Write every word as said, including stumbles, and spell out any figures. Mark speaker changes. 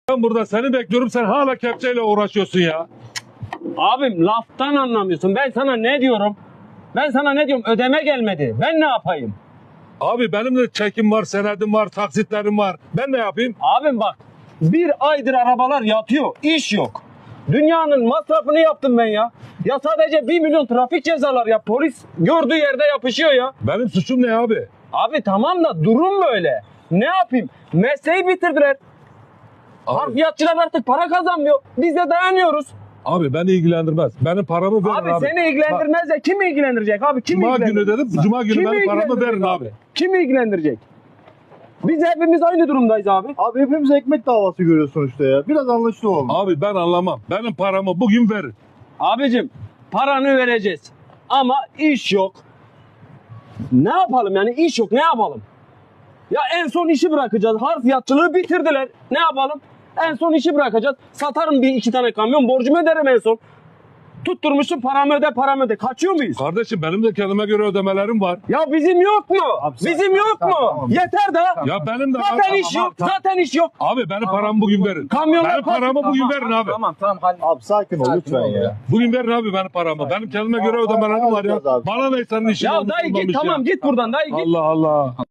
Speaker 1: Ben burada seni bekliyorum, sen hala kepçeyle uğraşıyorsun ya.
Speaker 2: Abim laftan anlamıyorsun. Ben sana ne diyorum? Ben sana ne diyorum? Ödeme gelmedi. Ben ne yapayım?
Speaker 1: Abi benim de çekim var, senedim var, taksitlerim var. Ben ne yapayım?
Speaker 2: Abim bak. Bir aydır arabalar yatıyor. İş yok. Dünyanın masrafını yaptım ben ya. Ya sadece bir milyon trafik cezalar ya. Polis gördüğü yerde yapışıyor ya.
Speaker 1: Benim suçum ne abi?
Speaker 2: Abi tamam da durum böyle. Ne yapayım? Mesleği bitirdiler.
Speaker 1: Abi,
Speaker 2: Harfiyatçılar artık para kazanmıyor. Biz de dayanıyoruz.
Speaker 1: abi beni ilgilendirmez. Benim paramı verin
Speaker 2: Abi,
Speaker 1: abi.
Speaker 2: seni ilgilendirmez de kim ilgilendirecek abi? Kim
Speaker 1: Cuma günü
Speaker 2: ilgilendirecek?
Speaker 1: dedim, Cuma günü
Speaker 2: Kim
Speaker 1: benim paramı
Speaker 2: ilgilendirecek
Speaker 1: verin abi.
Speaker 2: Kim ilgilendirecek? Biz hepimiz aynı durumdayız abi.
Speaker 3: Abi hepimiz ekmek davası görüyor sonuçta ya. Biraz anlaşılı olun.
Speaker 1: Abi ben anlamam. Benim paramı bugün verin.
Speaker 2: Abicim paranı vereceğiz. Ama iş yok. Ne yapalım yani iş yok ne yapalım? Ya en son işi bırakacağız. Harfiyatçılığı bitirdiler. Ne yapalım? En son işi bırakacağız. Satarım bir iki tane kamyon borcumu öderim en son. Tutturmuşsun paramı öde paramı öde. Kaçıyor muyuz?
Speaker 1: Kardeşim benim de kendime göre ödemelerim var.
Speaker 2: Ya bizim yok mu?
Speaker 3: Abi sen-
Speaker 2: bizim yok
Speaker 3: tamam,
Speaker 2: mu?
Speaker 3: tamam.
Speaker 2: Yeter de.
Speaker 1: Ya benim de
Speaker 2: Zaten
Speaker 1: var.
Speaker 2: iş yok. Zaten iş yok.
Speaker 1: Abi benim paramı bugün verin.
Speaker 2: Kamyonlar
Speaker 1: Benim paramı bugün verin abi.
Speaker 4: Tamam tamam hadi.
Speaker 3: Abi sakin ol
Speaker 4: Sakin
Speaker 3: lütfen
Speaker 4: ol
Speaker 3: ya.
Speaker 4: ya.
Speaker 1: Bugün verin abi benim paramı. Benim kendime göre
Speaker 3: Tamam,
Speaker 1: ödemelerim var ya.
Speaker 3: alacağız abi.
Speaker 1: Bana ne senin işin
Speaker 2: Ya
Speaker 1: olmuş
Speaker 2: dayı git
Speaker 1: olmamış ya.
Speaker 2: tamam git buradan dayı git.
Speaker 1: Allah Allah.